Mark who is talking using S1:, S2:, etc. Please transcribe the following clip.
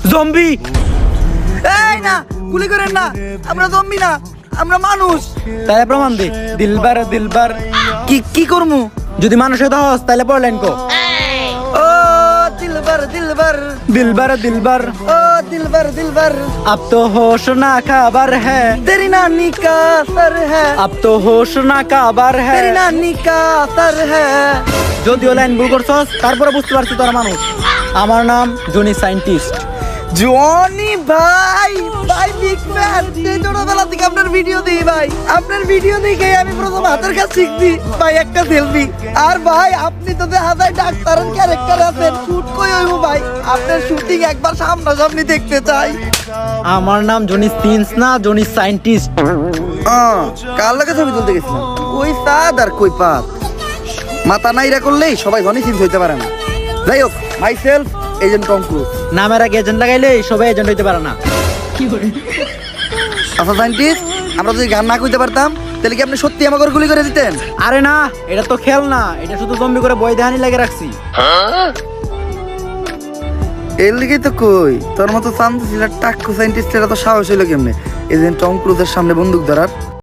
S1: Zombie.
S2: এই না, গুলি করেন না, আমরা জম্বি না, আমরা মানুষ।
S1: তাহলে প্রমাণ দে। দিলবার দিলবার।
S2: কি করমু?
S1: যদি মানুষ হতে হস তাহলে পড় লাইন কো।
S2: ও দিলবার দিলবার,
S1: দিলবার দিলবার।
S2: ও দিলবার দিলবার,
S1: अब तो होश ना खबर है,
S2: तेरी नानी का असर है,
S1: अब तो होश ना खबर है।
S2: तेरी नानी का असर है।
S1: যদিও লাইন ভুল করছস তারপরে বুঝতে পারছি তোরা মানুষ। আমার নাম জনি সায়েন্টিস্ট।
S2: জনি ভাই, ভাই বিগ ফ্যান। সেই ছোটবেলা থেকে আপনার ভিডিও দিই ভাই, আপনার ভিডিও দেখে আমি প্রথম হাতের কাজ শিখছি ভাই, একটা সেলফি। আর ভাই আপনি তো দেখা যায় ডাক্তারের ক্যারেক্টার আছেন, শুট কই হইব ভাই, আপনার শুটিং একবার সামনাসামনি দেখতে চাই।
S1: আমার নাম জনি সিন্স না, জনি সায়েন্টিস্ট।
S2: কার লাগে ছবি তুলতে গেছিলাম? কই সাদ আর কই পাত, মাথা নাইরা করলেই সবাই জনি সিন্স হইতে পারে না। যাই হোক, myself agent Tom Cruise.
S1: নামের আগে এজেন্ট লাগাইলে সবাই এজেন্ট হইতে পারে না।
S2: আচ্ছা সায়েন্টিস্ট, আমরা যদি গান না কইতে পারতাম তাহলে কি আপনি সত্যি আমাকে গুলি করে দিতেন?
S1: আরে না, এটা তো খেল না, এটা শুধু জম্বি করে বই দেহানি লাগে রাখছি।
S2: এর লিগেই তো কই, তোর মতো চান্স ছিল টাক্কু সায়েন্টিস্টের এত সাহস হইলো কেমনে এজেন্ট টম ক্রুজের সামনে বন্দুক ধরার?